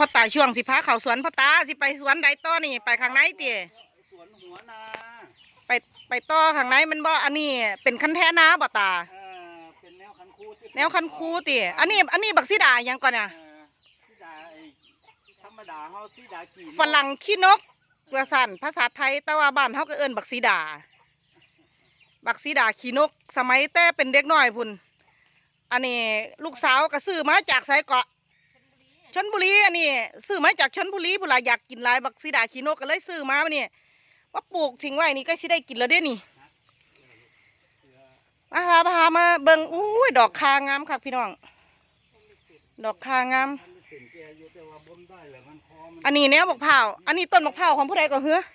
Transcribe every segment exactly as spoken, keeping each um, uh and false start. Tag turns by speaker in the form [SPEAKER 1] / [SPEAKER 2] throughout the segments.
[SPEAKER 1] อตาช่วงสิพาเขาสวนพ่อตาสิไปสวนใดต่อนี่ไปข้างในเตี๋ย
[SPEAKER 2] สวนหัวนา
[SPEAKER 1] ไปไปต่อข้างในมันบ่อันนี้เป็นคันแท้นาบ่ตา
[SPEAKER 2] เออเป็นแนวคันคู
[SPEAKER 1] แนวคันคูเตี๋ยอันนี้อันนี้บักซีดายังก่อนอ่ะ
[SPEAKER 2] ซีดาธรรมดาเฮาซีดากี่
[SPEAKER 1] ฝรั่งขี้นกเกลือสั่นภาษาไทยแต่ว่าบ้านเฮาก็เอิ้นบักซีดาบักซีดาขี้นกสมัยแต่เป็นเด็กน้อยพุ่นอันนี้ลูกสาวก็ซื้อมาจากไสเกาะชลบุรีอันนี้ซื้อมาจากชลบุรีพุ่นล่ะอยากกินหลายบักซีดาขี้นกก็เลยซื้อมาเนี่ยว่าปลูกทิ้งไว้นี่ก็สิได้กินแล้วเด้นี่มาหามาหามาเบิ่งอุ้ยดอกคางามค่ะพี่น้องดอกคางามอันนี้แนวบักเผาอันนี้ต้นบักเผาของผู้ใดก็เหือ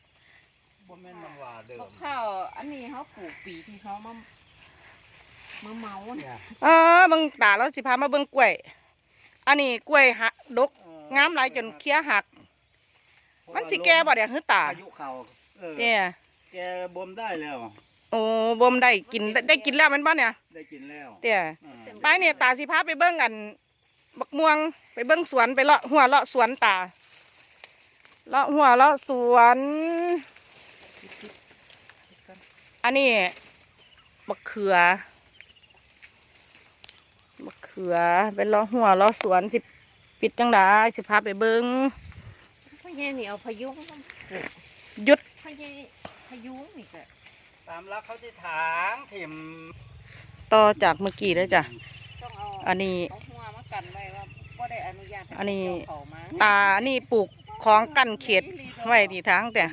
[SPEAKER 3] บักเผาอันนี้เขาปลูกปีที่เขามามาเมาเนี่ย
[SPEAKER 1] เออเบิ่งตาแล้วสิพามาเบิ่งกล้วยอันนี้กล้วยหักดกงามหลายจนเคี้ยหักมันสิแก่บ่เดี๋ยวหือตา
[SPEAKER 2] อายุเขา
[SPEAKER 1] เนี่ย
[SPEAKER 2] แกบ่มได้แล้ว
[SPEAKER 1] โอ้บ่มได้กินได้กินแล้วมันบ่เนี่ย
[SPEAKER 2] ได้กินแล้ว
[SPEAKER 1] เดี๋ยวไปเนี่ยตาสิพาไปเบิ่งกันบักม่วงไปเบิ่งสวนไปเลาะหัวเลาะสวนตาเลาะหัวเลาะสวนอันนี้บักเขือบักเขือเป็นเลาะหัวเลาะสวนสิปิดจังไดสิพาไปเบิ่ง
[SPEAKER 3] พ่อใหญ่นี่เอาพายุ
[SPEAKER 1] หยุด
[SPEAKER 3] พ่อใหญ่พายุนี่ก็
[SPEAKER 2] ตามรักเขาที่ถางถิ่ม
[SPEAKER 1] ต่อจากเมื่อกี้แล้วจ้ะอันนี้อันนี้ตาอันนี้ปลูกของกั้นเขตไว้ที่ทางแต่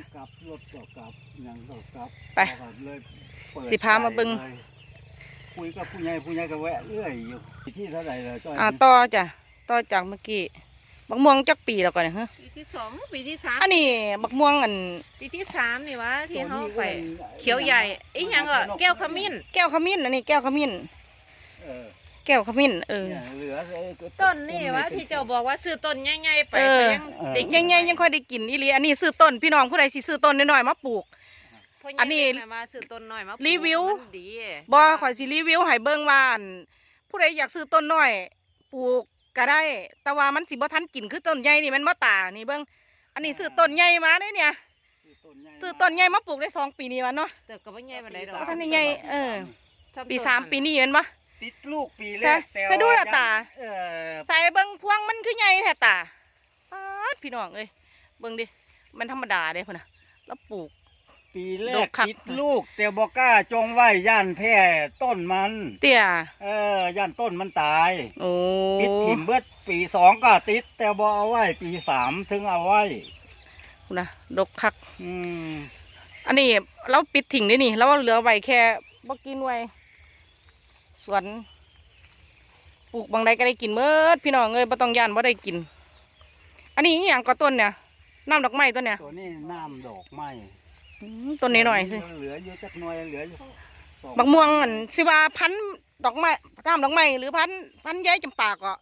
[SPEAKER 1] ไปสิพามาเบิ่ง
[SPEAKER 2] คุยกับผู้ใหญ่ผู้ใหญ่ก็แวะเรื่อยอยู่ที่เท่าไหร่เลย
[SPEAKER 1] อ่าต่อจ้ะต่อจากเมื่อกี้บักม่วงจักปีแล้วก่อนเนี่ยฮะ
[SPEAKER 3] ปีที่สองปีที่สาม
[SPEAKER 1] อันนี้บักม่วงอัน
[SPEAKER 3] ปีที่สามนี่วะที่เขาไปเขียวใหญ่ไอ้ยังก็แก้วขมิ้น
[SPEAKER 1] แก้วขมิ้นอันนี้แก้วขมิ้นแก้วขมิ้นเออ
[SPEAKER 3] ต้นนี่วะที่เจ้าบอกว่าซื้อต้นใหญ่ๆไป
[SPEAKER 1] ยังเด็กใหญ่ๆยังค่อยได้กินอีหลีอันนี้ซื้อต้นพี่น้องผู้ใดสิซื้อต้นน้อยๆมาปลูกอันนี้
[SPEAKER 3] มาซื้อต้นน้อยมา
[SPEAKER 1] รีวิวบ่ข่อยสิรีวิวให้เบิ่งว่าผู้ใดอยากซื้อต้นน้อยปลูกก็ได้แต่ว่ามันสิบ่ทันกินคือต้นใหญ่นี่มันบ่ตานี่เบิ่งอันนี้ซื้อต้นใหญ่มาได้เนี่ยซื้อต้นใหญ่มาปลูกได้สองปีนี่วะเนาะ
[SPEAKER 3] แต่ก็ไม่ใหญ่ปานใดดอก
[SPEAKER 1] ท่านใหญ่เออปีสามปีนี่เห็นปะ
[SPEAKER 2] ติดลูกปีแรก
[SPEAKER 1] ใส่ดูละตาใส่เบิ่งพวงมันคือใหญ่แท้ตาพี่น้องเอ้ยเบิ่งดิมันธรรมดาเด้พุ่นน่ะแล้วปลูก
[SPEAKER 2] ปีแรกติดลูกแต่บอกกล้าจงไว้ย่านแพร่ต้นมัน
[SPEAKER 1] เตี้ย
[SPEAKER 2] เออย่านต้นมันตาย
[SPEAKER 1] โอ้
[SPEAKER 2] ปิดถิ่มเบิดปีสองก็ติดแต่บ่เอาไว้ปีสามถึงเอาไว้
[SPEAKER 1] นะดกคัก
[SPEAKER 2] อืม
[SPEAKER 1] อันนี้เราปิดถิ่งได้นี่แล้วเหลือไว้แค่บ่กินไว้สวนปลูกบางใดก็ได้กินเมื่อพี่น้องเอ้ยบ่ต้องย่านบ่ได้กินอันนี้อย่างก็ต้นเนี่ยน้ำดอกไม้ต้นเนี่ย
[SPEAKER 2] ตัวนี้น้ำดอกไม้
[SPEAKER 1] ต้นนี้หน่อยสิ
[SPEAKER 2] เหลือเยอะจักหน่อยเหลืออยู่
[SPEAKER 1] บักม่วงอันสิว่าพันดอกไม้น้ำดอกไม้หรือพันพันย้ายจำปาก็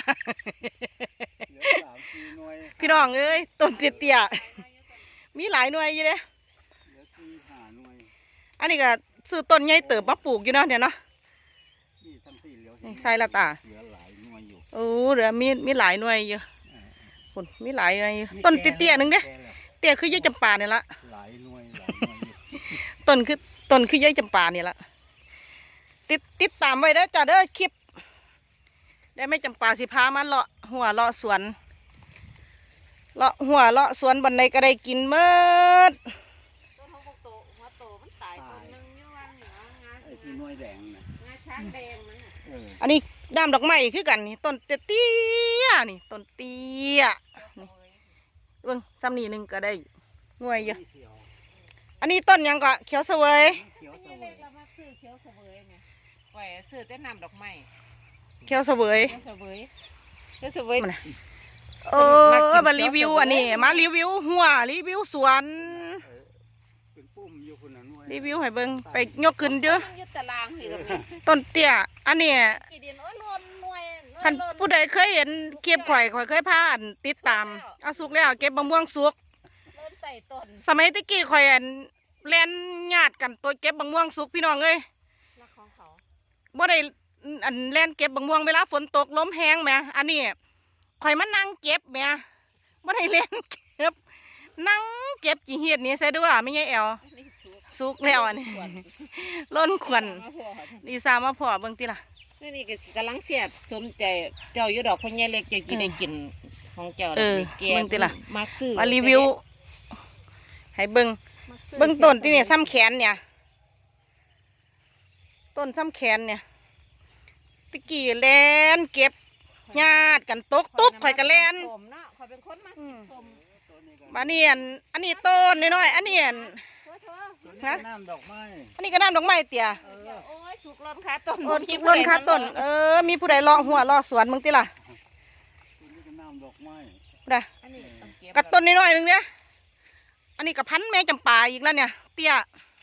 [SPEAKER 1] พี่น้องเอ้ยต้นเตี้ยๆมีหลายหน่วยอยู่เด้อันนี้ก็ซื้อต้นใหญ่เติบมาปลูกอยู่เนาะเนี่ยเนาะใส่ละตาโอ้เหลือมีมีหลายหน่วยอยู่คนมีหลายหน่วยอยู่ต้นเตี้ยๆนึงเด้เตี้ยคือย้ายจำปาเนี่ยละต้นคือต้นคือย้ายจำปาเนี่ยละติดติดตามไว้ได้จ้ะเด้อคลิปได้ไม่จำปาสิพามันเลาะหัวเลาะสวนเลาะหัวเลาะสวนบันไดก็ได้กินเมื่ออันนี้ด้ามดอกไม้คือกันนี่ต้นเตี้ยนี่ต้นเตี้ยนี่เบิ่งซ้ำนี่หนึ่งก็ได้หน่วยเยอะอันนี้ต้นยังก็เขียวเสวย
[SPEAKER 3] เขียวเสวยเรามาซื้อเขียวเสวยเนี่ยปล่อยซื้อแต่น้ำดอกไม้
[SPEAKER 1] เขียวเสวย
[SPEAKER 3] เขียวเสวยเขียวเสวย
[SPEAKER 1] เออมารีวิวอันนี้มารีวิวหัวรีวิวสวนรีวิวให้เบิ่งไปยกขึ้นเยอะต้นเตี้ยอันนี้ท่านผู้ใดเคยเห็นเก็บข่อยข่อยเคยพาอันติดตามเอาสุกแล้วเก็บมะม่วงสุกสมัยตะกี้ข่อยอันเล่นญาติกันตัวเก็บมะม่วงสุกพี่น้องเอ้ยบ่ได้อันเล่นเก็บมะม่วงเวลาฝนตกล้มแห้งไหมอันนี้ข่อยมานั่งเก็บแม่บ่ได้เล่นเก็บนั่งเก็บกี่เฮ็ดนี่ใส่ดูล่ะไม่ใช่แอว
[SPEAKER 3] นี่สุก
[SPEAKER 1] สุกแล้วอันนี้
[SPEAKER 3] ขวด
[SPEAKER 1] ล้นขวัญ
[SPEAKER 3] มาพอค่ะ
[SPEAKER 1] ดีซามาพอเบิ่งติล่ะ
[SPEAKER 3] นี่นี่ก็สิกำลังเสียบสมใจเจ้าอยู่ดอกพ่อใหญ่เล็กเจ้ากินได้กินของเจ้า
[SPEAKER 1] เออ
[SPEAKER 3] แก
[SPEAKER 1] เบิ่งติล่ะ
[SPEAKER 3] มักซื้อ
[SPEAKER 1] มารีวิว ให้เบิ่ง
[SPEAKER 3] มักซื้อ
[SPEAKER 1] เบิ่งต้นที่เนี่ยซ้ำแขนเนี่ย ต้นซ้ำแขนเนี่ยตะกี้แลนเก็บญาติกันตกตุ๊บข่อยก็แลน
[SPEAKER 3] สมเนาะข่อยเป็นคนมัก
[SPEAKER 1] อืม
[SPEAKER 3] สม
[SPEAKER 1] มานี่อันอันนี้ต้นน้อยๆอันนี้อัน
[SPEAKER 3] เถอะเถอะ
[SPEAKER 2] ตัวนี้ก็น้ำดอกไม้
[SPEAKER 1] อันนี้ก็น้ำดอกไม้เตี่ย
[SPEAKER 3] เออโอ้ยสุกร้อนขาต้น
[SPEAKER 1] โอ้ทุกต้นค่ะต้น เออ มีผู้ใดเลาะหัวเลาะสวนมึงติล่ะ
[SPEAKER 2] ตัวนี้ก็น้ำดอกไม้
[SPEAKER 1] ผู้ใด
[SPEAKER 3] อันนี้ต้องเก็บ
[SPEAKER 1] กับต้นน้อยๆหนึงเนี่ยอันนี้กับพันแม่จำปาอีกแล้วเนี่ย เตี้ย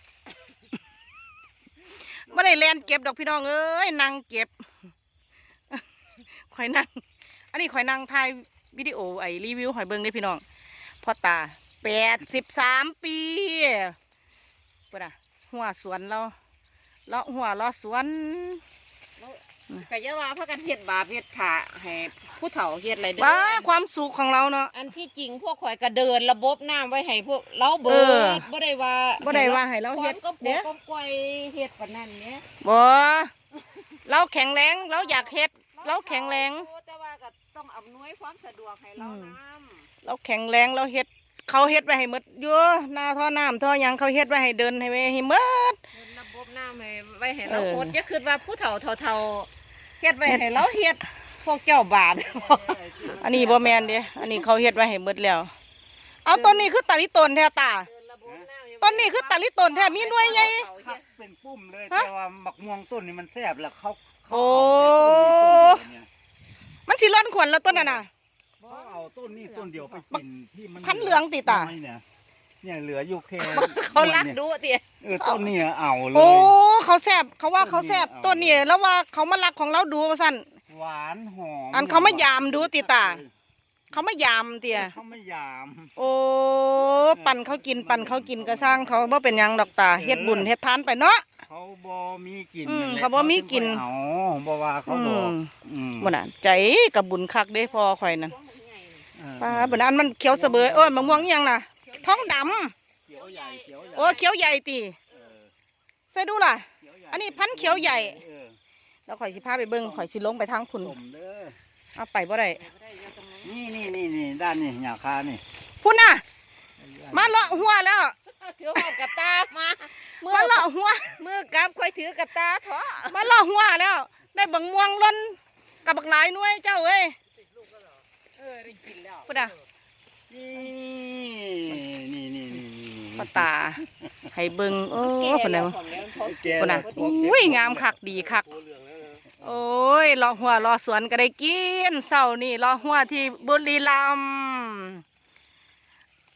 [SPEAKER 1] ไม่ได้แลนเก็บดอกพี่น้องเอ้ยนั่งเก็บ ข่อยนั่ง อันนี้ข่อยนั่งถ่ายวิดีโอไอรีวิวหอยเบิ้งได้อพี่น้องพ่อตาแปดสิบสามปีปุ่นอ่ะหัวสวนเราเลาะหัวเลาะสวน
[SPEAKER 3] ก็อย่าว่าพากันเฮ็ดบาปเฮ็ดผ่าให้ผู้เฒ่าเฮ็ดอะไรเด้อ
[SPEAKER 1] ว้าความสุขของเราเนาะ
[SPEAKER 3] อันที่จริงพวกข่อยก็เดินระบบน้ำไว้ให้พวกเราเบิ
[SPEAKER 1] เออ
[SPEAKER 3] ดบ่ได้ว่า
[SPEAKER 1] บ่ได้ว่าให้เราเฮ็ด
[SPEAKER 3] ก็ป
[SPEAKER 1] เด้
[SPEAKER 3] ลูกก็ปล่อยเฮ็ดปานนั้นเนี่ย
[SPEAKER 1] บ่เราแข็งแรงเราอยากเฮ็ด เราแข็งแรง
[SPEAKER 3] แต่ว่าก็ต้องอำนวยความสะดวกให้เรานำ
[SPEAKER 1] เราแข็งแรงเราเฮ็ด เขาเฮ็ดไว้ให้หมดอยู่หน้าท่อน้ำท่อหยังเขาเฮ็ดไว้ให้เดินให้ไว้ให้หมด
[SPEAKER 3] เดินระบบน้ำให้ไว้ให้เรา
[SPEAKER 1] เออ
[SPEAKER 3] โคตรอย่าคิดว่าผู้เฒ่าเฒ่าๆเฮ็ดไว้ให้เราเฮ็ดพวกเจ้าบาป
[SPEAKER 1] อันนี้บ่แม่นเด้อันนี้เขาเฮ็ดไว้ให้หมดแล้ว เอาต้นนี้คือตาลิต้นแท้ตา
[SPEAKER 3] เดินระบบน้ำให้
[SPEAKER 1] ต้นนี้คือตาลิต้นแท้มีหน่วยใหญ่
[SPEAKER 2] คักเป็นปุ้มเลย
[SPEAKER 1] ฮะ
[SPEAKER 2] แต่ว่าหมักม่วงต้นนี่มันแซ่บแล้วเขาเขา
[SPEAKER 1] โอ้
[SPEAKER 2] เอาแต่ต้นนี้ต้นเดียวเนี่ย
[SPEAKER 1] มันสิร้อนขวัญแล้วต้นน่ะน่ะ
[SPEAKER 2] เขาเอาต้นนี้ต้นเดียวไปกินที่มัน
[SPEAKER 1] พันเหลืองติตา
[SPEAKER 2] น้อยเนี่ยเนี่ยเหลืออยู่แค่
[SPEAKER 3] เขารัก
[SPEAKER 2] เนี่ย
[SPEAKER 3] ดูติ
[SPEAKER 2] เออต้นนี้เอาเล
[SPEAKER 1] โอ้
[SPEAKER 2] ย
[SPEAKER 1] เขาแซ่บเขาว่าเขาแซ่บ
[SPEAKER 2] ต้
[SPEAKER 1] ต้น
[SPEAKER 2] นนี้
[SPEAKER 1] นี้
[SPEAKER 2] เอา
[SPEAKER 1] แล้วว่าเขามารักของเราดูว่าซั่น
[SPEAKER 2] หวานหอม
[SPEAKER 1] อันเขามายามดูติตา เขามายามเตี่ย
[SPEAKER 2] เขาไม่ยาม
[SPEAKER 1] โอ้ปั่นเขากินปั่นเขากินก็สร้างเขาบ่เป็นหยังดอกตาเฮ็ดบุญเฮ็ดทานไปเนาะ
[SPEAKER 2] เขาบ่มีกลิ่น
[SPEAKER 1] อืม
[SPEAKER 2] นั่นแหละ
[SPEAKER 1] เขาบ่มีกลิ่น
[SPEAKER 2] เขาบ่ว่าเขา
[SPEAKER 1] อื
[SPEAKER 2] บอก
[SPEAKER 1] ม
[SPEAKER 2] อืม
[SPEAKER 1] บ่น่ะใจกับบุญคักเด้พอข่อยนั่น
[SPEAKER 2] เออ
[SPEAKER 1] ป้าบ่น่ะอันมันเขียวเสบยโอ้ยมะม่วงอิหยังน่ะท้องดำ
[SPEAKER 2] เขียวใหญ่เขียวใหญ่
[SPEAKER 1] โอ้เขียวใหญ่ติ
[SPEAKER 2] เออ
[SPEAKER 1] ใส่ดูล่ะ
[SPEAKER 2] เขียวใหญ่
[SPEAKER 1] อันนี้พันธุ์เขียวใหญ่
[SPEAKER 2] เออ
[SPEAKER 1] แล้วข่อยสิพาไปเบิ่งข่อยสิลงไปทางพุ่น
[SPEAKER 2] ต้มเด้อ
[SPEAKER 1] เอาไปบ่ได้
[SPEAKER 2] นี่นี่นี่นี่ด้านนี่หยาคานี่
[SPEAKER 1] พุ่นน่ะ มาเลาะหัวแล้ว
[SPEAKER 3] ถือหอบกระตามามือ
[SPEAKER 1] มาเลาะหัว
[SPEAKER 3] มือกับค่อยถือกระตาเถอะ
[SPEAKER 1] มาเลาะหัวแล้ว ได้บังม่วงล้นกับบักหลายหน่วยเจ้าเอ้ย
[SPEAKER 3] เออได้กินแล้ว
[SPEAKER 1] พุ่นน่ะ
[SPEAKER 2] นี่นี่นี่นี่นี่
[SPEAKER 1] พ่อตาให้เบิ่งโอ้พุ่นน่ะ
[SPEAKER 2] แก
[SPEAKER 1] พุ่นน่ะ
[SPEAKER 2] แล้ว
[SPEAKER 1] อุ้ยงามคักดีคัก โอ้ยเลาะหัวเลาะสวนก็ได้กินเศร้านี่เลาะหัวที่บุรีรัมย์